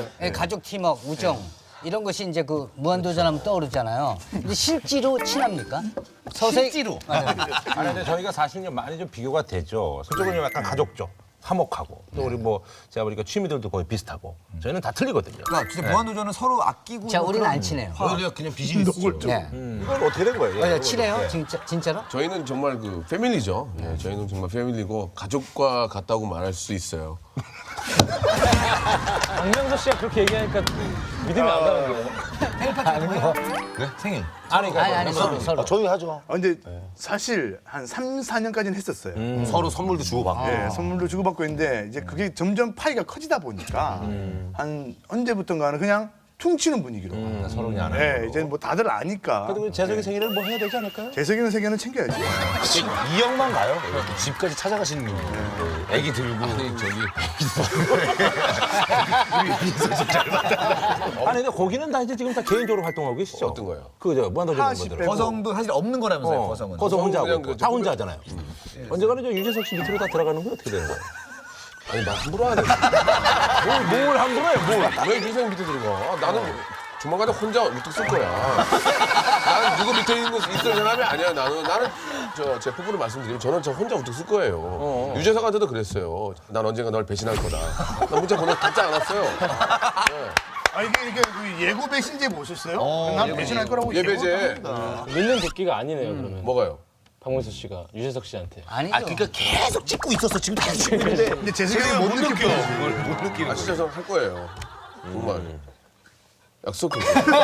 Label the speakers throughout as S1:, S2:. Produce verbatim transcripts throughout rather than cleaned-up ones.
S1: 예, 가족 팀워크, 우정 이런 것이 이제 그 무한도전하면 떠오르잖아요. 근데 실제로 친합니까? 서서히
S2: 실제로.
S3: 아니 근데 저희가 사실 좀 많이 좀 비교가 되죠. 그쪽은 좀 약간 가족적, 화목하고 또 우리 뭐 제가 보니까 취미들도 거의 비슷하고 저희는 다 틀리거든요.
S2: 그러니까 진짜 무한도전은 서로 아끼고.
S1: 자,
S2: 뭐
S1: 우리는
S2: 그런-
S1: 안 친해요.
S4: 우리가 그냥 비즈니스죠.
S1: 네.
S3: 이건 어떻게 된 거예요?
S1: 어, 친해요? 진짜 진짜로?
S5: 저희는 정말 그 패밀리죠. 예, 저희는 정말 패밀리고 가족과 같다고 말할 수 있어요.
S6: 박명수 씨가 그렇게 얘기하니까 믿음이 안 가는 거예요.
S4: 생일.
S3: 아니 그러니까
S1: 아니 아니 서로 서로.
S4: 저희 하죠.
S7: 아, 근데 사실 한 삼, 사 년까지는 했었어요.
S4: 서로 선물도 주고받고.
S7: 예, 선물도 주고받고 있는데 이제 그게 점점 파이가 커지다 보니까 한 언제부턴가는 그냥 퉁치는 분위기로.
S3: 서로 그냥 안
S7: 예,
S3: 하고.
S7: 이제 뭐 다들 아니까.
S3: 그래도 재석이 생일을 뭐 해야 되지 않을까요?
S7: 재석이는 세계는 챙겨야지.
S4: 이 형만 가요. 집까지 찾아가시는 분이. 애기 들고.
S5: 아니 저기
S3: 아니 근데 거기는 다 이제 지금 다 개인적으로 활동하고 계시죠?
S5: 어떤 거요?
S3: 그저 무한도전
S7: 하나씩
S3: 멤버들.
S7: 빼고.
S2: 거성도 사실 없는 거라면서요,
S3: 어,
S2: 거성은.
S3: 거성 혼자 하고
S5: 그냥
S3: 있고.
S5: 그
S3: 다 혼자 하잖아요. 언제가는 저 유재석 씨 밑으로 다 들어가는 건 어떻게 되는 거예요?
S5: 아니 나 함부로 하네.
S3: 뭘, 뭘 함부로 해요, 뭘?
S5: 왜 유생 밑에 들어가? 나는 조만간에 혼자 우뚝 쓸 거야. 나는 누구 밑에 있는 있을 사람이 아니야. 나는 나는 저 제 부부를 말씀드리면 저는 저 혼자 우뚝 쓸 거예요. 유재석한테도 그랬어요. 난 언젠가 널 배신할 거다. 나 문자 보내 답지 않았어요.
S7: 아 이게 이게 그 예고 배신제 보셨어요? 난 배신할 거라고
S5: 예배제.
S7: 예고를 합니다.
S6: 믿는 도끼가 아니네요, 그러면.
S5: 뭐가요?
S6: 박명수 씨가 유재석 씨한테.
S1: 아니죠.
S4: 아, 그러니까 계속 찍고 있었어. 지금 다 찍고 있는데.
S7: 근데 재석이는 못 느껴.
S4: 못 느끼는
S5: 아 진짜 저 할 거예요. 정말 약속해.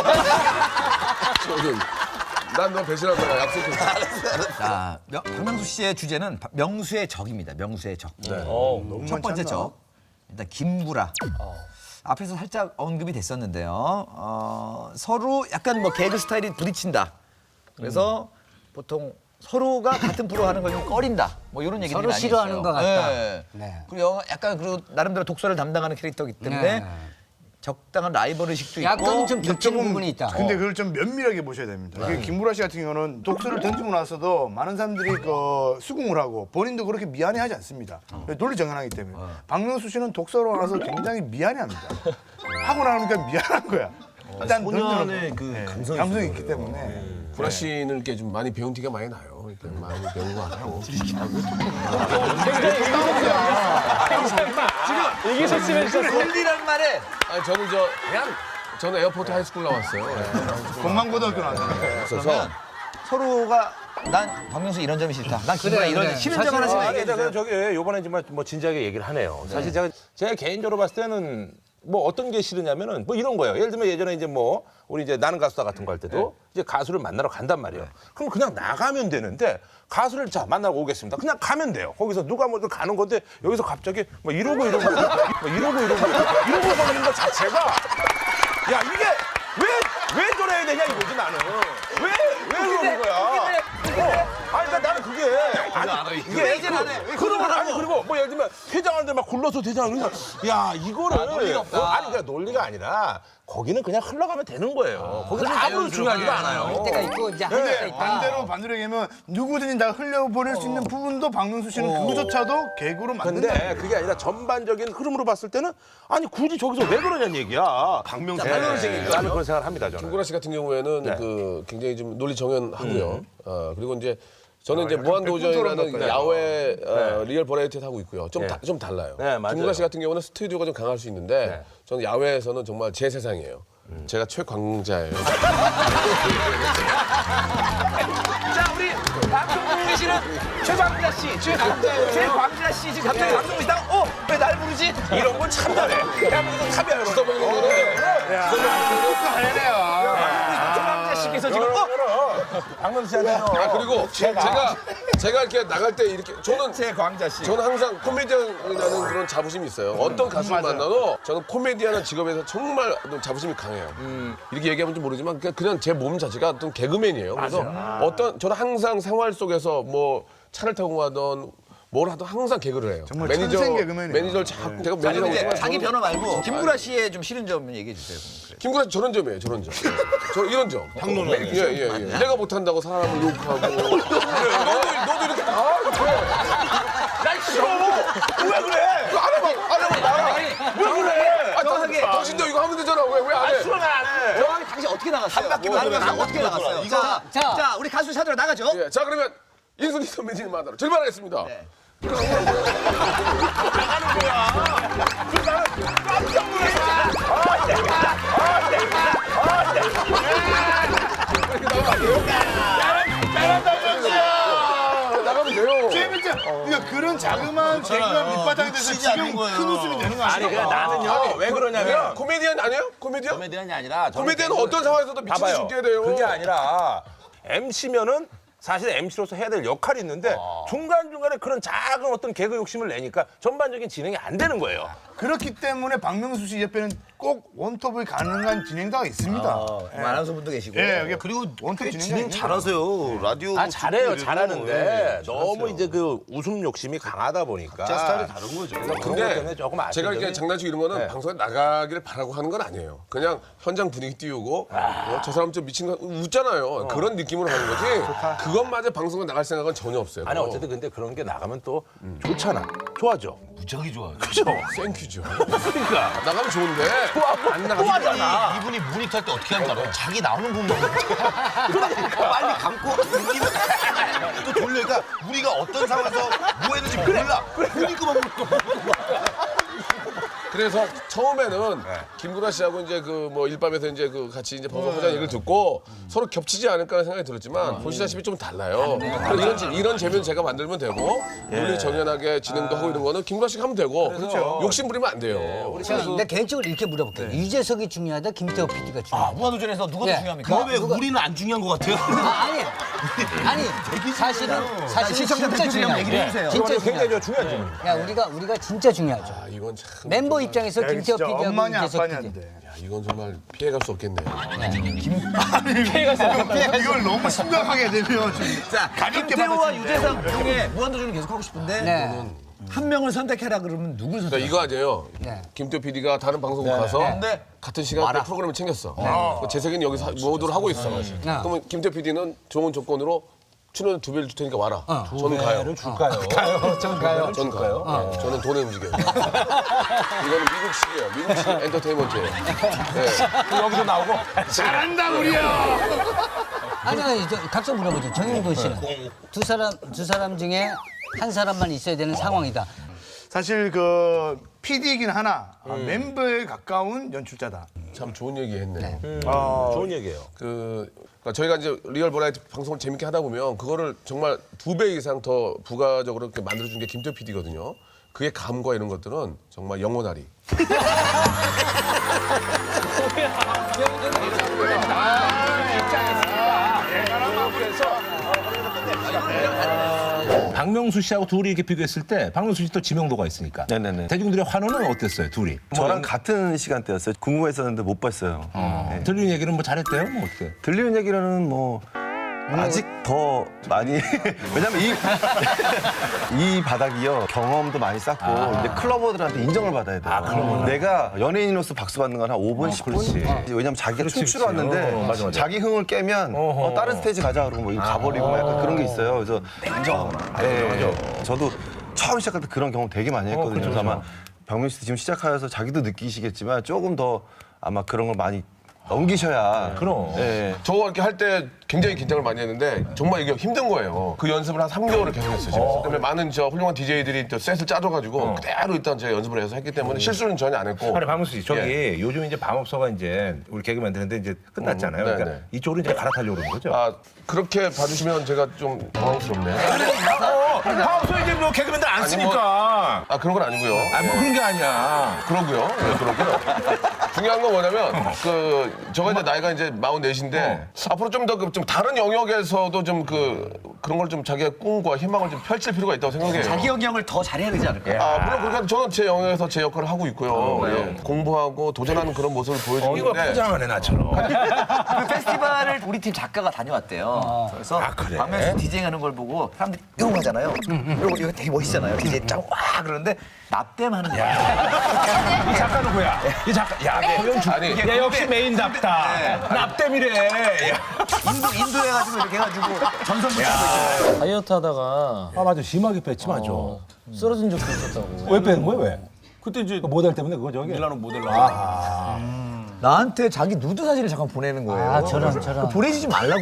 S5: 저는 난 너 배신한다. 약속해.
S2: 자, 명- 박명수 씨의 주제는 바- 명수의 적입니다. 명수의 적.
S6: 어,
S2: 첫 번째 적. 일단 김구라. 앞에서 살짝 언급이 됐었는데요. 어, 서로 약간 뭐 개그 스타일이 부딪힌다. 그래서 보통 서로가 같은 프로 하는 걸 좀 꺼린다. 뭐 이런 얘기들이
S1: 서로
S2: 많이
S1: 싫어하는
S2: 있어요.
S1: 것 같다.
S2: 네.
S1: 네.
S2: 그리고 영화 약간 그리고 나름대로 독서를 담당하는 캐릭터이기 때문에
S1: 네.
S2: 적당한 라이벌 의식도 있고.
S1: 약간 좀 겹치는
S7: 조금-
S1: 부분이 있다.
S7: 근데 그걸 좀 면밀하게 보셔야 됩니다. 이게 김구라 씨 같은 경우는 독서를 던지고 나서도 많은 사람들이 그 수긍을 하고 본인도 그렇게 미안해하지 않습니다. 논리정연하기 때문에. 박명수 씨는 독서로 나서 굉장히 미안해합니다. 하고 나니까 미안한 거야. 일단
S4: 소년의
S7: 던져놓고.
S4: 그
S7: 네,
S4: 감성이
S7: 감성이
S4: 있어요.
S7: 있기 때문에.
S5: 구라 씨는 이렇게 좀 많이 배운 티가 많이 나요. 이렇게 많이 배운 거 같고.
S6: 지금 이기석 씨 해주셨어요.
S2: 논리란 말에
S5: 아니 저는 저 그냥 저는 에어포트 하이스쿨 나왔어요.
S7: 공만고등학교 나왔잖아요.
S5: 그래서
S2: 서로가 난 박명수 이런 점이 싫다. 난 김구라
S1: 그래,
S2: 이런
S1: 그래.
S2: 싫은 점
S1: 사실
S2: 하나씩
S3: 아,
S2: 얘기해
S3: 근데
S2: 주세요.
S3: 저기 요번에 정말 뭐 진지하게 얘기를 하네요. 사실 제가 제가 개인적으로 봤을 때는 뭐 어떤 게 싫으냐면은 뭐 이런 거예요. 예를 들면 예전에 이제 뭐 우리 이제 나는 가수다 같은 거 할 때도 이제 가수를 만나러 간단 말이에요. 그럼 그냥 나가면 되는데 가수를 자 만나러 오겠습니다. 그냥 가면 돼요. 거기서 누가 뭐 가는 건데 여기서 갑자기 뭐 이러고 이러고 뭐 이러고 이러고 이러고 가는 것 자체가 야 이게 왜 왜 저래야 되냐 이거지 나는 왜왜 그러는 거야? 어, 아니 그러니까 나는 그게 아니 이게 그런 건 아니 그리고 뭐 예를 들면 퇴장하는데 막 굴러서 퇴장을 해서 야 이거를 논리가 없다. 아니 그러니까 논리가 아니라 거기는 그냥 흘러가면 되는 거예요. 거기는 아무런 중요하지도 않아요.
S1: 할 때가 있고 이제 할 때가 있다.
S7: 반대로 반대로 얘기하면 누구든지 다 흘려보낼 수 있는 부분도 박명수 씨는 그거조차도 개그로 만든다.
S3: 근데 그게 아니라 전반적인 흐름으로 봤을 때는 아니 굳이 저기서 왜 그러냐는 얘기야.
S4: 박명수
S3: 네, 나는 그런 생각을 합니다 저는.
S5: 김구라 씨 같은 경우에는
S3: 네.
S5: 그 굉장히 좀 논리 정연하고요. 어, 그리고 이제 저는 이제
S7: 약간 백분
S5: 무한도전이라는
S7: 토론
S5: 야외 어, 리얼 버라이티 하고 있고요. 좀,
S3: 네.
S5: 다, 좀 달라요.
S3: 네, 맞아요.
S5: 김구라 씨 같은 경우는 스튜디오가 좀 강할 수 있는데
S3: 네.
S5: 저는 야외에서는 정말 제 세상이에요. 제가 최광자예요.
S2: 자, 우리 방송 보고 계시는 최광자 씨, 최광자, 최광자 씨 지금 갑자기 방송 보시다가 어? 왜 날 부르지?
S3: 이런 건 참 잘해. 대한민국 탑이야 여러분.
S5: 써먹는 거는
S2: 최광자 씨께서 지금 어?
S3: 박명수 씨한테
S5: 아 그리고 제가 제가 이렇게 나갈 때 이렇게 저는
S2: 최광자 씨.
S5: 저는 항상 코미디언이라는 그런 자부심이 있어요. 어떤 가수를 만나도 저는 코미디언의 직업에서 정말 어떤 자부심이 강해요. 이렇게 얘기하면 좀 모르지만 그냥, 그냥 제 몸 자체가 어떤 개그맨이에요. 그래서 어떤 저는 항상 생활 속에서 뭐 차를 타고 가던 뭘 하든 항상 개그를 해요.
S7: 정말 천생 개그맨이에요.
S5: 매니저를 자꾸 제가
S2: 자,
S5: 매니저라고
S2: 이제
S5: 하지만
S2: 자기
S5: 저는-
S2: 변호 말고 김구라 씨의 좀 싫은 점 얘기해 주세요. 그럼.
S5: 김구라 씨 저런 점이에요. 저런 점. 저 이런 점. 평론을. 예예 예, 예. 내가 못한다고 사람을 욕하고. 그래, 너도 너도 이렇게 다 이렇게.
S3: 날 싫어. 왜 그래?
S5: 안 해봐 안 해봐 나. 왜 그래? 아,
S2: 정확하게.
S5: 당신도 이거
S2: 어떻게 나갔어요? 한 바퀴 돌아서 어떻게 나갔어요? 이거 자,
S1: 자.
S2: 자, 우리 가수 찾으러 나가죠.
S5: 예, 자 그러면 인순이 선배님 만나러 출발하겠습니다.
S2: 네.
S5: 나가면 돼요.
S7: 재밌죠? 그러니까 그런 자그마한 개그가 밑바탕이 돼서 지금 큰 웃음이 되는 거
S3: 아니
S7: 아니에요?
S3: 그냥 나는요 왜 그러냐면
S5: 코미디언 아니에요? 코미디언?
S3: 코미디언이 아니라 저는
S5: 코미디언은
S3: 개그-
S5: 어떤 상황에서도 미친 듯이
S3: 봐봐요.
S5: 웃겨야 돼요.
S3: 그게 아니라 엠씨면은 사실 엠씨로서 해야 될 역할이 있는데 중간중간에 그런 작은 어떤 개그 욕심을 내니까 전반적인 진행이 안 되는 거예요.
S7: 그렇기 때문에 박명수 씨 옆에는 꼭 원톱이 가능한 진행자가 있습니다. 예.
S2: 아나운서 분도 계시고.
S7: 예, 이게 그리고 원톱 진행자
S4: 진행 잘하세요. 라디오.
S3: 아 잘해요,
S4: 듣고
S3: 잘하는데
S4: 이래도.
S3: 너무 이제 그 웃음 욕심이 강하다 보니까
S4: 자 스타일이 다른 거죠.
S3: 그런 것
S5: 근데
S3: 때문에 조금 아쉬운
S5: 제가 이렇게
S3: 점이-
S5: 장난치고 이런 거는
S3: 네.
S5: 방송에 나가기를 바라고 하는 건 아니에요. 그냥 현장 분위기 띄우고 어, 저 사람 좀 미친 거 웃잖아요. 그런 느낌으로 하는 거지. 그것마저 방송에 나갈 생각은 전혀 없어요.
S3: 아니 어쨌든 근데 그런 게 나가면 또 좋잖아, 좋아죠.
S4: 무지하게 좋아요.
S3: 그죠?
S5: 땡큐죠.
S3: 그러니까
S5: 나가면 좋은데 안
S3: 또
S5: 나가면
S3: 하잖아.
S4: 이분이 모니터 할 때 어떻게 하는 줄 알아요? 자기 나오는 부분만
S2: 빨리 감고 웃기면
S4: 또 돌려니까 우리가 어떤 상황에서 뭐 했는지 몰라. 그러니까만
S5: 그래서 처음에는 김구라 씨하고 이제 그 뭐 일밤에서 이제 그 같이 이제 방송하자는 얘기를 듣고 서로 겹치지 않을까라는 생각이 들었지만 보시다시피 좀 달라요. 그래서 이런 재- 이런 재미는 제가 만들면 되고 논리 정연하게 진행도 하고 이런 거는 김구라 씨가 하면 되고 욕심 부리면 안 돼요.
S1: 제가 근데 개인적으로 이렇게 물어볼게요. 유재석이 중요하다, 김태호 피디가
S2: 아,
S1: 중요하다.
S2: 무한도전에서 누가 더
S1: 예.
S2: 중요합니까?
S1: 뭐,
S4: 왜
S1: 누가-
S4: 우리는 안 중요한 것 같아요?
S1: 아, 아니, 아니 사실은 사실은
S2: 시청자
S1: 진짜
S2: 대표님
S1: 중요해요.
S2: 얘기를 해주세요.
S1: 진짜
S3: 굉장히
S1: 중요해요.
S3: 중요한 질문입니다.
S1: 야, 우리가 우리가 진짜 중요하죠.
S5: 아, 이건 참
S1: 멤버 입장에서
S7: 야,
S1: 김태호
S7: 진짜
S1: 피디하고
S7: 엄마냐
S1: 유재석 피디.
S7: 아빠냐인데.
S5: 야, 이건 정말 피해갈 수 없겠네요.
S7: 이걸 너무 심각하게 되면 진짜
S2: 자,
S7: 가볍게
S2: 김태호와
S7: 받았을 때.
S2: 유재석 중에 무한도전을 계속 하고 싶은데
S1: 네.
S2: 한 명을 선택해라 그러면 누굴
S5: 그러니까
S2: 선택?
S5: 이거 아니에요.
S1: 네.
S5: 김태호 피디가 다른 방송국 가서
S2: 네.
S5: 같은 시간대 프로그램을 챙겼어. 그 재석이는 여기서 모두를 하고 있어. 그러면 김태호 피디는 좋은 조건으로 출연 두 배를 줄 테니까 와라. 저는 가요.
S3: 줄까요?
S1: 가요, 전 가요.
S5: 전 가요. 네, 저는 돈에 움직여요. 이거는 미국식이에요. 미국식 엔터테인먼트예요. 네.
S3: 여기도 나오고
S7: 잘한다 우리야.
S1: 아니 아니 저 각자 물어보죠. 정영돈 씨는 두 사람 두 사람 중에 한 사람만 있어야 되는 상황이다.
S7: 사실 그 피디이긴 하나 아, 멤버에 가까운 연출자다.
S5: 참 좋은 얘기 했네.
S7: 어,
S3: 좋은 얘기예요.
S5: 그 그러니까 저희가 이제 리얼 버라이티 방송을 재밌게 하다 보면 그거를 정말 두 배 이상 더 부가적으로 이렇게 만들어준 게 김태호 피디거든요. 그의 감과 이런 것들은 정말 영원하리.
S3: 박명수 씨하고 둘이 이렇게 비교했을 때 박명수 씨 또 지명도가 있으니까.
S8: 네네네.
S3: 대중들의 환호는 어땠어요, 둘이?
S8: 저랑 같은 시간대였어요. 궁금했었는데 못 봤어요. 네.
S3: 들리는 얘기는 뭐 잘했대요? 뭐 어떻게?
S8: 들리는 얘기로는 뭐 아직 더 많이 왜냐면 이, 이 바닥이요 경험도 많이 쌓고 이제 클러버들한테 인정을 받아야 돼요. 내가 연예인으로서 박수 받는 건 한 오 분, 십 분. 왜냐면 자기가 춤추러
S3: 그렇지.
S8: 왔는데
S3: 어, 맞아, 맞아.
S8: 자기 흥을 깨면 어, 다른 스테이지 가자 그러고 뭐 이거 가버리고 막 약간 그런 게 있어요. 그래서 냉정. 네, 저도 처음 시작할 때 그런 경험 되게 많이 했거든요. 그래서 아마 박명수 씨 지금 시작하여서 자기도 느끼시겠지만 조금 더 아마 그런 걸 많이 넘기셔야.
S3: 그럼.
S8: 네.
S5: 저거 이렇게 할 때 굉장히 긴장을 많이 했는데 정말 이게 힘든 거예요. 그 연습을 한 삼 개월을 계속 했어요. 집에서. 그다음에 많은 저 훌륭한 디제이들이 또 셋을 짜줘가지고 그대로 일단 제가 연습을 해서 했기 때문에 실수는 전혀 안 했고.
S3: 아니 박명수 씨 저기
S5: 예.
S3: 요즘 이제 밤업소가 이제 우리 개그 만드는데 이제 끝났잖아요.
S5: 음,
S3: 그러니까
S5: 네네.
S3: 이쪽으로 이제 갈아타려고 그러는 거죠.
S5: 아 그렇게 봐주시면 제가 좀 당황스럽네.
S3: 밤업소 이제 뭐 개그맨들 안
S5: 아니,
S3: 쓰니까.
S5: 아 그런 건 아니고요.
S3: 아 뭐 그런 게 아니야.
S5: 그러고요. 네, 그러고요. 중요한 건 뭐냐면 그 저가 이제 나이가 이제 마흔넷인데 앞으로 좀 더 좀 다른 영역에서도 좀 그 그런 걸 좀 자기의 꿈과 희망을 좀 펼칠 필요가 있다고 생각해요.
S2: 자기 영역을 더 잘해야 되지 않을까요?
S5: 아 물론 그렇게 해도 저는 제 영역에서 제 역할을 하고 있고요. 예. 공부하고 도전하는 그런 모습을 보여주고
S3: 이거
S5: 있는데
S3: 포장하네 나처럼.
S2: 그 페스티벌을 우리 팀 작가가 다녀왔대요. 그래서
S3: 아, 그래?
S2: 박명수 디제잉하는 걸 보고 사람들이 이거 하잖아요. 이거 이거 되게 멋있잖아요. 디제이 짱와 그러는데 납땜하는 거야.
S3: 이 작가 누구야? 이 작가. 야, 고영 주.
S5: 아니
S3: 야 역시 메인답다. 납땜이래. 야.
S2: 인도 인도 해가지고 이렇게 해가지고 전선 붙이고 있잖아요.
S6: 다이어트 하다가
S3: 아 맞아 심하게 뺐지 맞아.
S6: 쓰러진 적도 있었다고.
S3: 왜 빼는 거야 왜? 그때 이제 모델 때문에 그거 저기. 밀라노 모델로. 아.
S2: 나한테 자기 누드 사진을 잠깐 보내는 거예요.
S1: 아, 저런, 저런.
S2: 보내주지 말라고.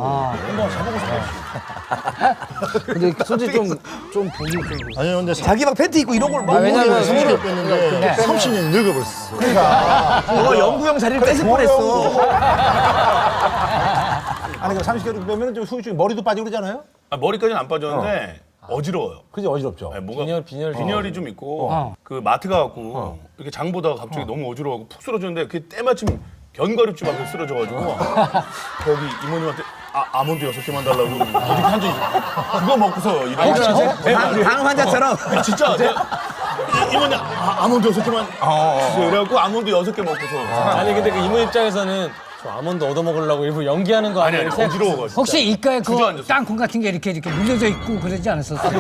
S6: 근데 솔직히 좀, 좀 보기 좀.
S8: 아니 근데
S2: 자기 막 팬티 입고 이런 걸 막.
S1: 왜냐면
S8: 삼십 년 뺐는데 삼십 년 늙어버렸어.
S2: 너가 영구형 자리를 뺏을 뻔했어.
S4: 아니 그 삼십 개월 빼면 좀 후유증 머리도 빠지고 그러잖아요.
S9: 아, 머리까지는 안 빠졌는데 어. 지러워요
S4: 그지 어지럽죠.
S9: 네, 뭐가
S6: 빈혈, 빈혈.
S9: 빈혈이 좀 있고 그 마트 가갖고 이렇게 장 보다가 갑자기 너무 어지러워하고 푹 쓰러졌는데 그게 때마침 견과류집 앞에 쓰러져가지고 거기 이모님한테 아, 아몬드 여섯 개만 달라고 이렇게 한 적이 있어요. 그거 먹고서 일하고
S2: 당 환자처럼.
S9: 진짜 내가 이- 이모님 아, 아몬드 여섯 개만 주세요. 그래갖고 아몬드 여섯 개 먹고서
S6: 아니 근데 그 이모 입장에서는 저 아몬드 얻어 먹으려고 일부 연기하는 거
S9: 아니
S6: 아니야?
S9: 아니 어지러워가지고
S1: 혹시 이가에 그
S9: 주저앉았어.
S1: 땅콩 같은 게 이렇게 이렇게 물려져 있고 그러지 않았었어요?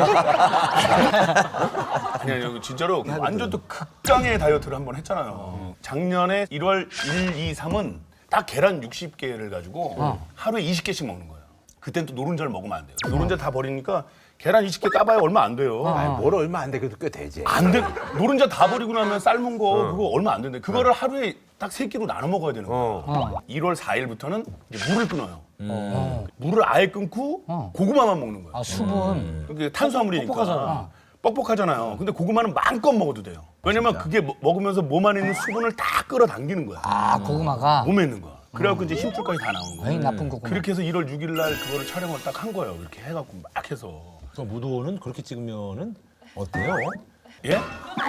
S9: 아니 아니 진짜로 완전 또 극강의 다이어트를 한번 했잖아요. 작년에 일월 일, 이, 삼은 딱 계란 육십 개를 가지고 하루에 이십 개씩 먹는 거예요. 그땐 또 노른자를 먹으면 안 돼요. 노른자 다 버리니까 계란 이십 개 까봐야 얼마 안 돼요.
S3: 뭘 얼마 안 돼, 그래도 꽤 되지.
S9: 안 돼. 노른자 다 버리고 나면 삶은 거 그거 얼마 안 되는데 그거를 하루에 딱 세 끼로 나눠 먹어야 되는 거예요. 일월 사일부터는 이제 물을 끊어요. 물을 아예 끊고 고구마만 먹는 거예요.
S1: 아, 수분.
S9: 그게 탄수화물이니까 뻑뻑하잖아요. 근데 고구마는 마음껏 먹어도 돼요. 왜냐면 그게 먹- 먹으면서 몸 안에 있는 수분을 다 끌어당기는 거야.
S1: 아, 고구마가.
S9: 몸에 있는 거야. 그래갖고 이제 힘줄까지 다 나오는 거야.
S1: 에이, 나쁜 고구마.
S9: 그렇게 해서 일월 육일 날 그거를 촬영을 딱 한 거예요. 이렇게 해갖고 막 해서.
S4: 그 무도는 그렇게 찍으면은 어때요?
S9: 예?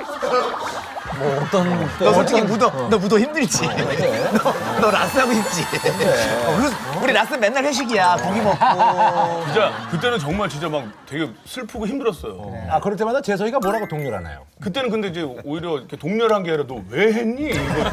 S2: 너 솔직히 무도, 너 무도 힘들지. 너, 너 라스하고 싶지. 어, 그래서 우리 라스 맨날 회식이야. 고기 먹고.
S9: 진짜 그때는 정말 진짜 막 되게 슬프고 힘들었어요.
S3: 아, 그럴 때마다 재석이가 뭐라고 독려를 하나요?
S9: 그때는 근데 이제 오히려 이렇게 동료를 한 게 아니라 너 왜 했니? 이거.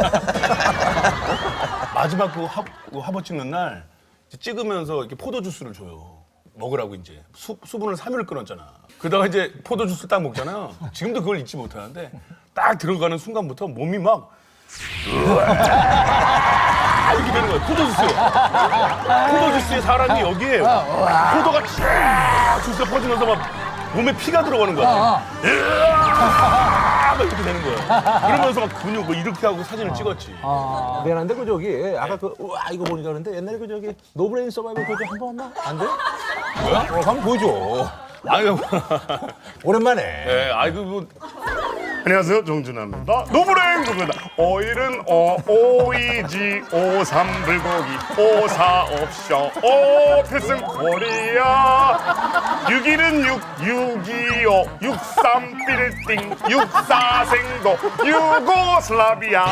S9: 마지막 그, 화, 그 화보 찍는 날 이제 찍으면서 이렇게 포도 주스를 줘요. 먹으라고 이제 수, 수분을 삼 일 끊었잖아. 그러다가 이제 포도 주스 딱 먹잖아요. 지금도 그걸 잊지 못하는데 딱 들어가는 순간부터 몸이 막 으아 이렇게 되는 거예요. 포도 주스. 포도 주스에 사람이 여기에 포도가 쫙 주스에 퍼지면서 막 몸에 피가 들어가는 거야. 으아 막 이렇게 되는 거야. 그러면서 막 근육 뭐 이렇게 하고 사진을 찍었지.
S3: 미안한데 그 저기 아까 그 우와 이거 보니까 그러는데 옛날에 그 저기 노브레인 서바이벌 그거 한번 했나? 안 돼? 어, 한번 보여줘.
S9: 아유,
S3: 오랜만에.
S9: 예, 아이고 뭐.
S10: 안녕하세요, 정준하입니다. 노브레인 구입니다. 오일은 오, 오이지, 오삼 불고기, 오사 옵션, 오 필승 코리아. 육일은 육, 육이오, 육삼 빌딩, 육사 생도, 유고슬라비아.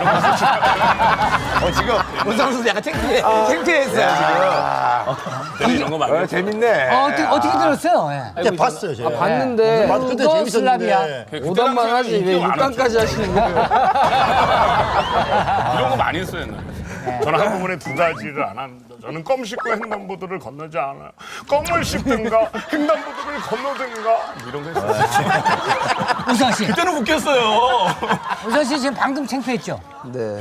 S2: 어, 지금 문상 선수 약간 창피해. 창피했어요, 지금.
S9: 이런 거 많이.
S3: 재밌네.
S1: 어, 어떻게, 어떻게 들었어요? 예.
S8: 그때 봤어요 제가.
S6: 봤는데
S8: 맞아 그때
S1: 유고슬라비아.
S8: 재밌었는데.
S6: 오답만 하지 왜 육강까지 하시는 거예요?
S9: 이런 거 많이 했어요, 옛날에.
S10: 저는 한꺼번에 두 가지를 안 합니다. 저는 껌 씹고 횡단보도를 건너지 않아요. 껌을 씹든가 횡단보도를 건너든가 이런 거 했어요.
S1: 우선 씨.
S9: 그때는 웃겼어요.
S1: 우선 씨 지금 방금 창피했죠?
S6: 네.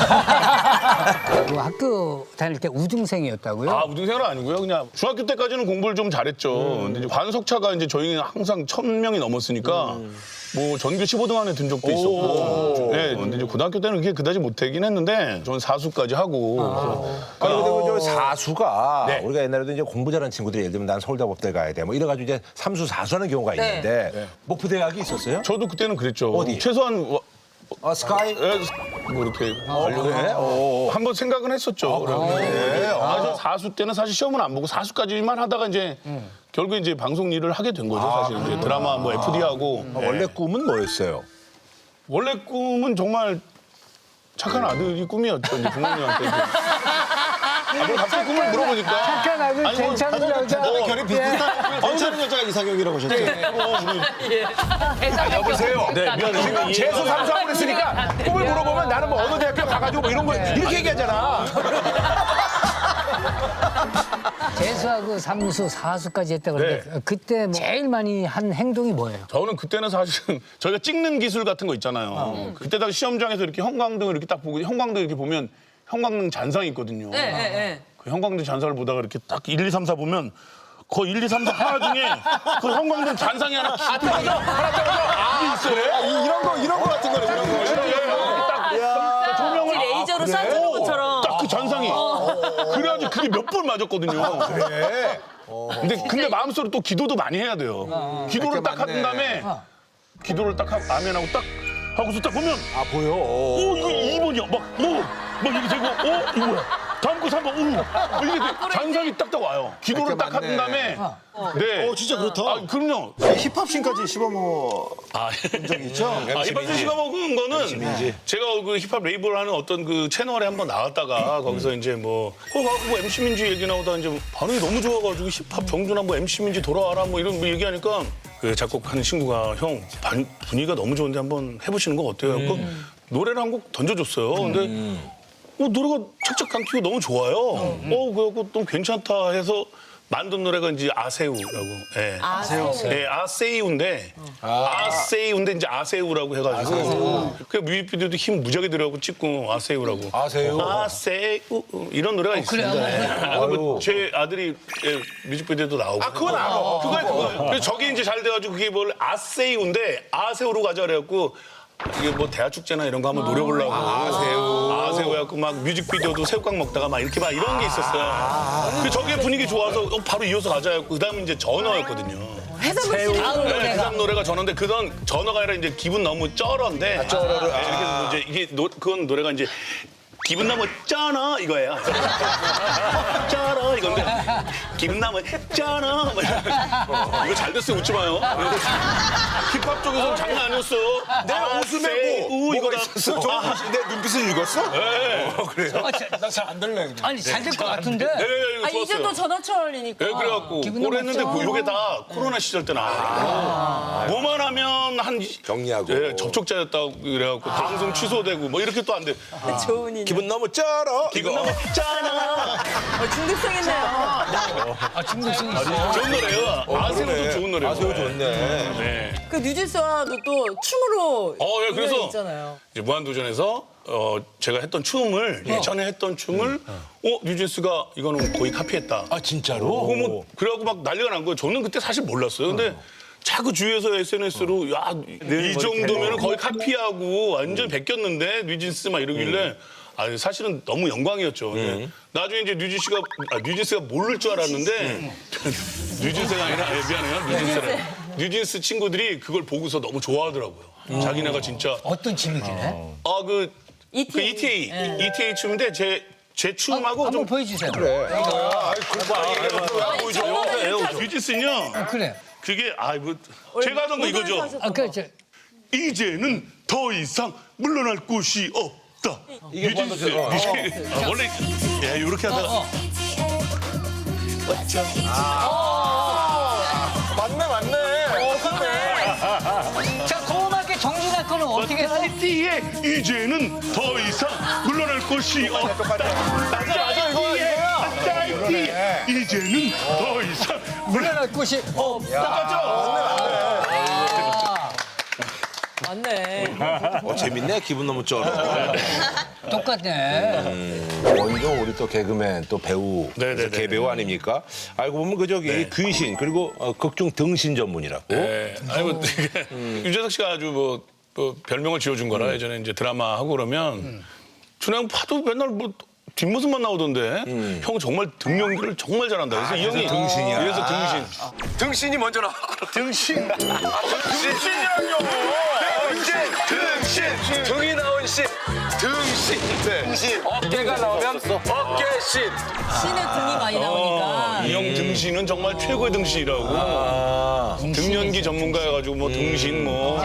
S1: 그 학교 다닐 때 우등생이었다고요?
S9: 아, 우등생은 아니고요. 그냥 중학교 때까지는 공부를 좀 잘했죠. 근데 이제 관석차가 이제 저희는 항상 천 명이 넘었으니까 뭐 전교 십오 등 안에 든 적도 있었고. 네, 근데 이제 고등학교 때는 그게 그다지 못하긴 했는데 저는 사수까지 하고.
S3: 아니 근데 그 저 사수가
S9: 네.
S3: 우리가 옛날에도 이제 공부 잘하는 친구들이 예를 들면 난 서울대법대 가야 돼 뭐 이래가지고 이제 삼수 사수하는 경우가 있는데 목포대학이 있었어요?
S9: 저도 그때는 그랬죠.
S3: 어디?
S9: 최소한 와-
S2: 어, 스카이.
S9: 예, 뭐 이렇게 하려고 한번 생각은 했었죠. 그래. 아, 저 사수 때는 사실 시험은 안 보고 사수까지만 하다가 이제 결국 이제 방송 일을 하게 된 거죠. 사실 이제 드라마 뭐 에프디 하고
S3: 아, 원래 꿈은 뭐였어요?
S9: 원래 꿈은 정말 착한 아들이 꿈이었죠. 이제 부모님한테. 아, 뭐 갑자기 꿈을 물어보니까.
S1: 착한 아들,
S9: 아니, 뭐,
S1: 괜찮은 여자.
S8: 결이 비슷한 괜찮은 여자가 이상형이라고 하셨죠?
S3: 여보세요.
S9: 네, 미안해.
S3: 지금 재수 삼수하고 그랬으니까 꿈을 물어보면 나는 뭐 어느 대학교 가가지고 뭐 이런 거 이렇게 얘기하잖아.
S1: 재수하고 삼수, 사수까지 했다고 그러는데 그때 제일 많이 한 행동이 뭐예요?
S9: 저는 그때는 사실은 저희가 찍는 기술 같은 거 있잖아요. 그때 당시 시험장에서 이렇게 형광등을 이렇게 딱 보고 형광등 이렇게 보면 형광등 잔상이 있거든요.
S11: 네, 네, 네.
S9: 그 형광등 잔상을 보다가 이렇게 딱 일, 이, 삼, 사 보면 그 일, 이, 삼, 사 하나 중에 그 형광등 잔상이 하나 딱 떨어져. 하나 떨어져. 아, 그래?
S8: 이런 거 이런 거 같은 거네 이런 거.
S9: 딱 조명을
S11: 레이저로 쏴
S9: 그래가지고 그게 몇 번 맞았거든요.
S2: 그래.
S9: 근데 근데 마음속으로 또 기도도 많이 해야 돼요. 기도를 딱 한
S2: 맞네.
S9: 다음에 기도를 딱 하고 아멘하고 딱 하고서 딱 보면
S2: 아 보여.
S9: 오 이거 이 번이야. 막 뭐 막 이렇게 되고 어 이거 뭐야. 다음 거 삼 번 우. 막 이렇게 돼. 잔상이 딱딱 와요. 기도를 딱
S2: 맞네.
S9: 한 다음에 네.
S8: 어 진짜 그렇다.
S9: 아 그럼요.
S8: 힙합씬까지 씹어먹어
S9: 아,
S8: 적이 있죠?
S9: 아, 힙합 씨가 먹은 거는 제가 그 힙합 레이블 하는 어떤 그 채널에 한번 나갔다가 거기서 이제 뭐, 어, 가고 뭐 엠씨 민지 얘기 나오다 이제 반응이 너무 좋아가지고 힙합 정준하 뭐 엠씨 민지 돌아와라 뭐 이런 뭐 얘기하니까 그 작곡하는 친구가 형 반, 분위기가 너무 좋은데 한번 해보시는 거 어때요? 그 노래를 한 곡 던져줬어요. 근데 어, 노래가 착착 감기고 너무 좋아요. 어, 그래갖고 또 괜찮다 해서 만든 노래가 이제 아세우라고. 예. 아세우. 예, 아세우인데 아세우인데 이제 아세우라고 해가지고. 그 뮤직비디오도 힘 무지하게 들어가고 찍고 아세우라고.
S2: 아세우.
S9: 아세우 이런 노래가 있습니다.
S1: 그래요?
S9: 예. 그리고 제 아들이 예, 뮤직비디오도 나오고. 아 그건 알아. 그거야 그거. 그래서 저게 이제 잘 돼가지고 그게 뭘 아세우인데 아세우로 가자 그래갖고. 이게 뭐 대학 축제나 이런 거 한번 노려보려고 아세우 아세우 해갖고 막 뮤직비디오도 새우깡 먹다가 막 이렇게 막 이런 게 있었어요. 그 저게 분위기 좋아서 어, 바로 이어서 가자 했고 그다음에 이제 전어였거든요.
S11: 해산물 씨
S1: 다음
S9: 네,
S1: 노래가
S9: 해삼 노래가 전어인데 그건 전어가 아니라 이제 기분 너무 쩔어인데 아, 쩔어를 네, 이렇게 해서 이제 이게 노, 그건 노래가 이제 기분 너무 쩌나 이거예요. 쩌나 이건데 기분 너무 쩌나 이거 잘 됐어요 웃지 마요. 힙합 쪽에서는 장난 아니었어.
S2: 내 웃음에 뭐,
S9: 우
S2: 뭐가
S9: 이거다.
S2: 있었어? 저, 내 눈빛을 읽었어?
S9: 네.
S2: 어, 그래요?
S1: 나잘안 들래. 아니 잘 될 것 같은데.
S9: 네, 이거
S11: 아 이제
S9: 좋았어요.
S11: 또 전화철이니까.
S9: 네, 그래갖고
S1: 기분
S9: 그걸
S1: 너무
S9: 했는데
S1: 좋죠.
S9: 요게 다 코로나 시절 때 나와요. 뭐만 하면 한
S5: 격리하고.
S9: 예, 접촉자였다고 그래갖고 방송 취소되고 뭐 이렇게 또 안 돼.
S11: 좋은 인연.
S5: 기분 너무 쩔어.
S9: 기분 너무 짜나.
S11: 어, 중독성있네요.
S1: 아 중독성 있어.
S9: 좋은 노래요. 아세우도 좋은 노래요.
S2: 아세우 좋네.
S9: 네.
S11: 그 뉴진스와도 또 춤으로
S9: 어, 예, 그래서
S11: 인연이 있잖아요.
S9: 이제 무한도전에서 어, 제가 했던 춤을 예전에 했던 춤을 어 뉴진스가 이거는 거의 카피했다.
S4: 아 진짜로?
S9: 그거 뭐 그래갖고 막 난리가 난 거예요. 저는 그때 사실 몰랐어요. 근데 자꾸 주위에서 에스엔에스로 야 이 정도면 거의 카피하고 완전 베꼈는데 뉴진스 막 이러길래 아 사실은 너무 영광이었죠. 근데 나중에 이제 뉴진 씨가 아, 뉴진스가 모를 줄 알았는데 뉴진스가 아니라 예, 미안해요. 뉴진스래. 뉴진스 친구들이 그걸 보고서 너무 좋아하더라고요. 자기네가 진짜
S1: 어떤 춤이길래?
S9: 아그
S11: 이티에이.
S9: 그 이티에이
S11: 네.
S9: 이티에이 춤인데 제 제 춤하고
S1: 한번
S9: 좀
S1: 보여주세요.
S9: 뉴진스는요.
S1: 아, 그래.
S9: 그게 아이고 제가 하던 거 이거죠.
S1: 아, 그, 저,
S9: 이제는 더 이상 물러날 곳이 없다.
S5: 이게
S9: 뉴진스.
S5: 무한도전. 어.
S9: 뉴진- 아, 원래 예 이렇게 하다가
S1: 어.
S2: 맞네, 맞네.
S1: 자, 고음할게 정준하 거는 어떻게 했어?
S9: 이티에 이제는 더 이상 물러날 곳이 없다.
S2: 맞아, 맞아, 이거, 이거야.
S9: 이티에 이제는 더 이상
S1: 물러날 곳이 없다.
S11: 맞네.
S5: 어, 재밌네. 기분 너무 쩔어.
S1: 똑같네.
S5: 원종 우리 또 개그맨 또 배우
S9: 네네네.
S5: 개배우 아닙니까? 알고 보면 그 저기 귀신 그리고 어, 극중 등신 전문이라고.
S9: 네. 아니 뭐 유재석 씨가 아주 뭐, 뭐 별명을 지어준 거라 예전에 이제 드라마 하고 그러면 준영 파도 맨날 뭐 뒷모습만 나오던데 형 정말 등 연기를 정말 잘한다. 그래서 이 형이
S5: 등신이야.
S9: 그래서 등신.
S2: 등신이 먼저 나왔구나. 등신. 등신이랑요. 등신. 등신. 등이 나온 신. 등신. 등신. 어깨가 나오면 어깨신.
S11: 신의 등이 많이 나오니까.
S9: 이 형 등신은 정말 최고의 등신이라고. 등 연기 전문가여가지고 뭐 등신 뭐.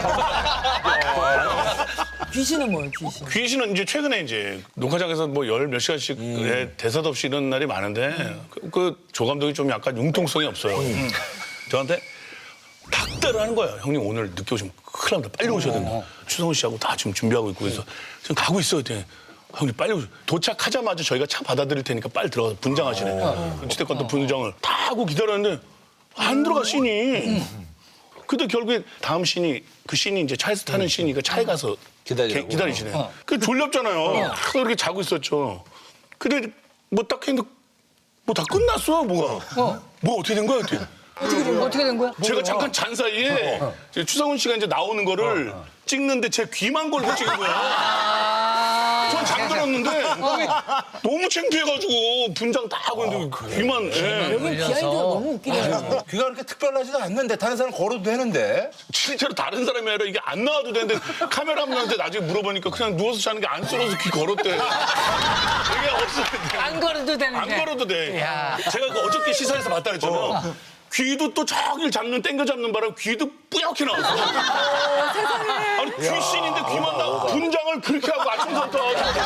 S11: 귀신은 뭐예요, 귀신?
S9: 귀신은 이제 최근에 이제 녹화장에서 뭐 열 몇 시간씩 예, 대사도 없이 이런 날이 많은데 그, 그 조감독이 좀 약간 융통성이 없어요. 저한테 닥달을 하는 거예요. 형님 오늘 늦게 오시면 큰일 납니다. 빨리 오셔야 된다. 추성훈 씨하고 다 지금 준비하고 있고 그래서 지금 가고 있어요. 그랬더니 형님 빨리 오세요. 도착하자마자 저희가 차 받아드릴 테니까 빨리 들어가서 분장하시네. 어찌됐건 또 분장을 다 하고 기다렸는데 안 들어가 씬이. 근데 결국에 다음 씬이 그 씬이 이제 차에서 타는 씬이니까 차에 가서
S5: 기다리라고.
S9: 기, 기다리시네. 그 졸렵잖아요. 그래서 이렇게 자고 있었죠. 근데 뭐 딱 했는데 뭐 다 끝났어 뭐가. 뭐 어떻게 된 거야 그때.
S1: 어떻게 된, 어떻게 된 거야?
S9: 제가 잠깐 잔 사이에 이제 추성훈 씨가 이제 나오는 거를 찍는데 제 귀만 걸고 찍은 거야. 전 잠깐 들었는데 너무 창피해가지고 분장 다 하고 있는데 귀만. 예.
S11: 여기 비하인드가 너무 웃기네요.
S3: 귀가 그렇게 특별하지도 않는데 다른 사람 걸어도 되는데.
S9: 실제로 다른 사람이 아니라 이게 안 나와도 되는데 카메라맨한테 나중에 물어보니까 그냥 누워서 자는 게 안 썰어서 귀 걸었대. 이게 없었는데.
S1: 안 걸어도 되는데.
S9: 안 걸어도 돼.
S1: 야.
S9: 제가 그 어저께 시사에서 봤다 했잖아요. 귀도 또 저길 잡는 땡겨 잡는 바람 귀도 뿌옇게 나왔어. 아니 귀신인데 귀만 나 분장을 그렇게 하고 아침부터.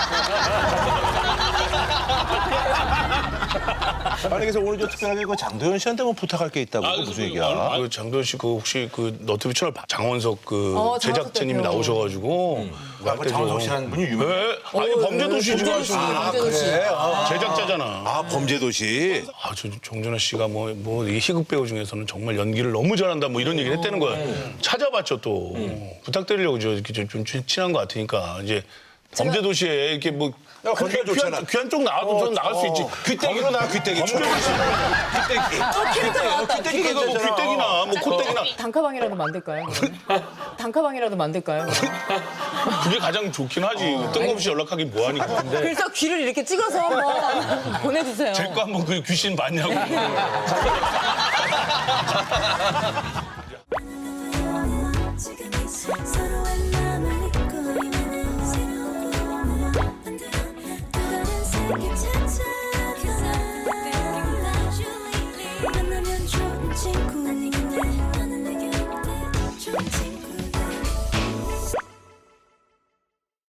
S3: 아니 그래서 오늘 저 특별하게 그 장도연 씨한테 뭐 부탁할 게 있다고 그 무슨 얘기야?
S9: 아, 그 장도연 씨 그 혹시 그 너튜브 채널 장원석 그
S11: 어,
S9: 제작자님이
S11: 장원석
S9: 나오셔가지고
S3: 아, 장원석 씨라는 분이 유명.
S9: 네. 아니 범죄도시 지금
S11: 범죄도시,
S9: 하시는
S11: 범죄도시.
S9: 제작자잖아.
S3: 아 범죄도시.
S9: 아, 저 정준하 씨가 뭐, 뭐, 이 희극 배우 중에서는 정말 연기를 너무 잘한다, 뭐 이런 얘기를 했다는 거야. 찾아봤죠, 또. 부탁드리려고 저 이렇게 좀, 좀 친한 것 같으니까. 이제 범죄도시에 이렇게 뭐.
S3: 야, 거기가 좋잖아.
S9: 귀한, 귀한 쪽 나와도 좀 나갈 수 있지.
S3: 귀때기로 나 귀때기.
S9: 범죄도시.
S3: 귀때기.
S11: 캐릭터 나왔다.
S9: 귀때기가 뭐 귀때기나, 뭐 콧대기나.
S11: 단카방이라도 만들까요? 그러면? 단카방이라도 만들까요?
S9: 그게 가장 좋긴 하지. 뜬금없이 연락하기 뭐하니까.
S11: 그래서 귀를 이렇게 찍어서 한번 보내주세요.
S9: 제 거 한번 그 귀신 봤냐고.
S12: 서로의 마음을 믿고 있는 새로운 꿈을 만들어 또 다른 세계 찾아가 만나면 좋은 친구 너는 내게 어때 좋은 친구